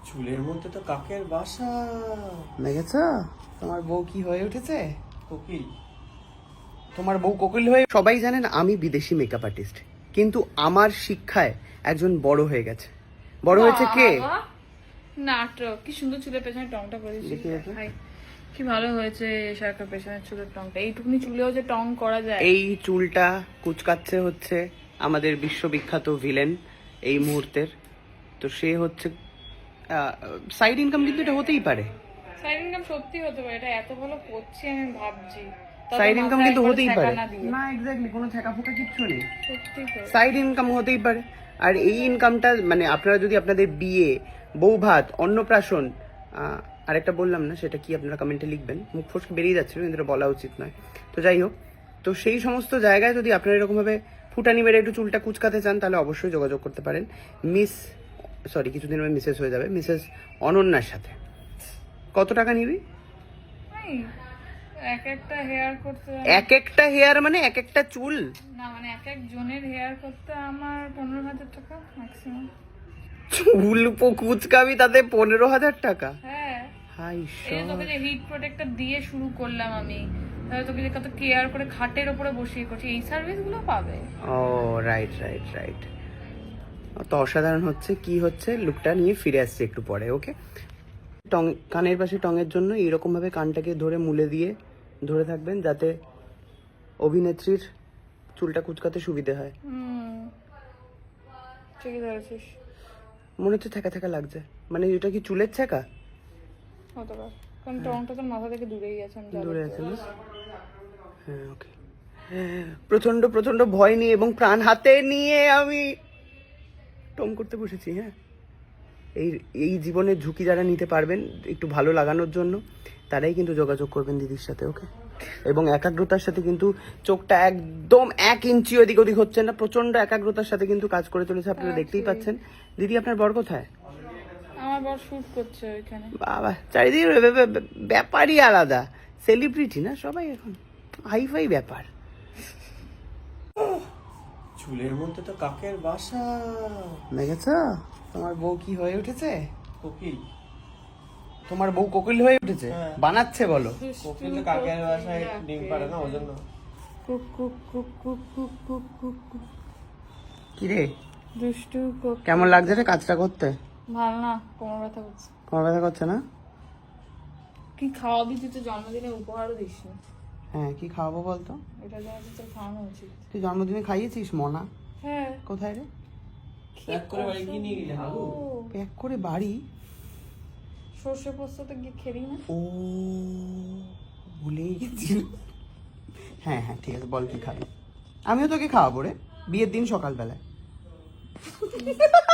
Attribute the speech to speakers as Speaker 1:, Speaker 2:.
Speaker 1: চুলের মধ্যে তো কাকের বাসা।
Speaker 2: দেখেছো তোমার বউ কি হয়ে উঠেছে?
Speaker 1: কোকিল।
Speaker 2: তোমার বউ কোকিল হয়ে। সবাই জানেন আমি বিদেশি মেকআপ আর্টিস্ট, কিন্তু আমার শিক্ষায় একজন বড় হয়ে গেছে। বড় হয়েছে কে?
Speaker 3: নাটক। কি সুন্দর চুলের পেছনে টংটা করে দিয়েছিস
Speaker 2: দেখি একটু।
Speaker 3: ভাই, কি ভালো হয়েছে শারকার পেছনে চুলের টংটা। এইটুকুনি চুলেও যে টং করা যায়।
Speaker 2: এই চুলটা কুচকাচ্ছে হচ্ছে আমাদের বিশ্ববিখ্যাত ভিলেন এই মুহূর্তের। তো সে হচ্ছে সাইড ইনকাম, কিন্তু এটা হতেই পারে।
Speaker 3: সাইড ইনকাম সত্যি হতে পারে, এটা এত ভালো করছি আমি ভাবছি। তবে
Speaker 2: সাইড ইনকাম
Speaker 3: মাথায়
Speaker 2: কিন্তু
Speaker 3: একবার
Speaker 2: হতেই
Speaker 3: ছ্যাঁকা
Speaker 2: পারে।
Speaker 3: না দিয়ে।
Speaker 2: না এক্স্যাক্টলি, কোনো ছেঁকা ফোঁকা কিচ্ছু নেই।
Speaker 3: সত্যি তো।
Speaker 2: সাইড ইনকাম হতেই পারে। আর এই ইনকামটা মানে আপনারা যদি আপনাদের বিয়ে, বউ ভাত, অন্নপ্রাশন, আরেকটা বললাম না সেটা কি, আপনারা কমেন্টে লিখবেন। মুখ ফসকে বেরিয়ে যাচ্ছিল কিন্তু এটা বলা উচিত নয়। তো যাই হোক, তো সেই সমস্ত জায়গায় যদি আপনারা এরকমভাবে ফুটানি মেরে একটু চুলটা কুচকাতে চান তাহলে অবশ্যই যোগাযোগ করতে পারেন কিছুদিন পরে মিসেস হয়ে যাবে, মিসেস অনন্যার সাথে। কত টাকা নিবি?
Speaker 3: এই, এক একটা হেয়ার করতে
Speaker 2: এক একটা হেয়ার মানে এক একটা চুল?
Speaker 3: না, মানে এক এক জনের হেয়ার করতে আমার 15,000 টাকা ম্যাক্সিমাম।
Speaker 2: চুল কুচকাবি তাতে 15,000 টাকা?
Speaker 3: হ্যাঁ,
Speaker 2: হাই
Speaker 3: এই তোকে যে হিট প্রোটেক্টর দিয়ে শুরু করলাম আমি, তাহলে তোকে যে কত কেয়ার করে খাটের উপরে বসিয়ে করছি, এই সার্ভিস গুলো পাবে।
Speaker 2: ও রাইট রাইট রাইট। তো অসাধারণ হচ্ছে, কি হচ্ছে লুকটা নিয়ে ফিরে আসছে একটু পরে। ওকে, টং, কানের পাশে টঙের জন্য এইরকম ভাবে কানটাকে ধরে মুলে দিয়ে ধরে থাকবেন যাতে অভিনেত্রীর চুলটা কুচকাতে সুবিধে হয়।
Speaker 3: ঠিকই ধরেছিস।
Speaker 2: মনে হচ্ছে থেকা থেকা লাগছে, মানে এটা কি চুলের ছেঁকা?
Speaker 3: হতে পারে, কারণ টংটা তোর মাথা থেকে দূরেই গেছে। আমি
Speaker 2: দূরে আছে না? হ্যাঁ ওকে। প্রচন্ড প্রচন্ড ভয় নিয়ে এবং প্রাণ হাতে নিয়ে আমি টং করতে বসেছি। হ্যাঁ, এই এই জীবনের ঝুঁকি যারা নিতে পারবেন একটু ভালো লাগানোর জন্য, তারাই কিন্তু যোগাযোগ করবেন দিদির সাথে। ওকে, এবং একাগ্রতার সাথে কিন্তু চোখটা একদম 1 ইঞ্চি ওদিক ওদিক হচ্ছে না, প্রচন্ড একাগ্রতার সাথে কিন্তু কাজ করে চলেছে, আপনারা দেখতেই পাচ্ছেন। দিদি আপনার বর কোথায়?
Speaker 3: আমার বর শুট করছে ওইখানে।
Speaker 2: বাবা, চারিদিকে ব্যাপারই আলাদা, সেলিব্রিটি না সবাই এখন, হাইফাই ব্যাপার।
Speaker 1: চুলের মধ্যে তো কাকের বাসা।
Speaker 2: দেখেছো তোমার বউ কি হয়ে উঠেছে?
Speaker 1: কোকিল।
Speaker 2: তোমার বউ কোকিল হয়ে উঠেছে?
Speaker 1: হ্যাঁ।
Speaker 2: বানাচ্ছে বলো।
Speaker 1: কোকিল তো কাকের বাসায় ডিম পারে না, ওই জন্য।
Speaker 3: কুক কুক কুক কুক কুক কুক কুক কুক।
Speaker 2: কি রে,
Speaker 3: দুষ্টু কুক।
Speaker 2: কেমন লাগছে রে কাজটা করতে?
Speaker 3: ভালো না, কোমর ব্যথা করছে।
Speaker 2: তোমার ব্যথা করছে না?
Speaker 3: কি খাওয়াবি তুই? তো জন্মদিনে উপহারও দিস না।
Speaker 2: হ্যাঁ, কি খাওয়াবো বলতো?
Speaker 3: এটা যা আছে তোর খাওয়ানো উচিত।
Speaker 2: তুই জন্মদিনে খাইয়েছিস মনা?
Speaker 3: হ্যাঁ।
Speaker 2: কোথায় রে?
Speaker 1: প্যাক করে বাড়ি কি নিয়ে গেলে হাগু?
Speaker 2: প্যাক করে বাড়ি?
Speaker 3: সর্ষে পোস্ততে গিয়ে খেলি না?
Speaker 2: ও ভুলেই গেছি। হ্যাঁ হ্যাঁ ঠিক আছে, বল কি খাবি। আমিও তোকে খাওয়াবো রে, বিয়ের দিন সকালবেলায়।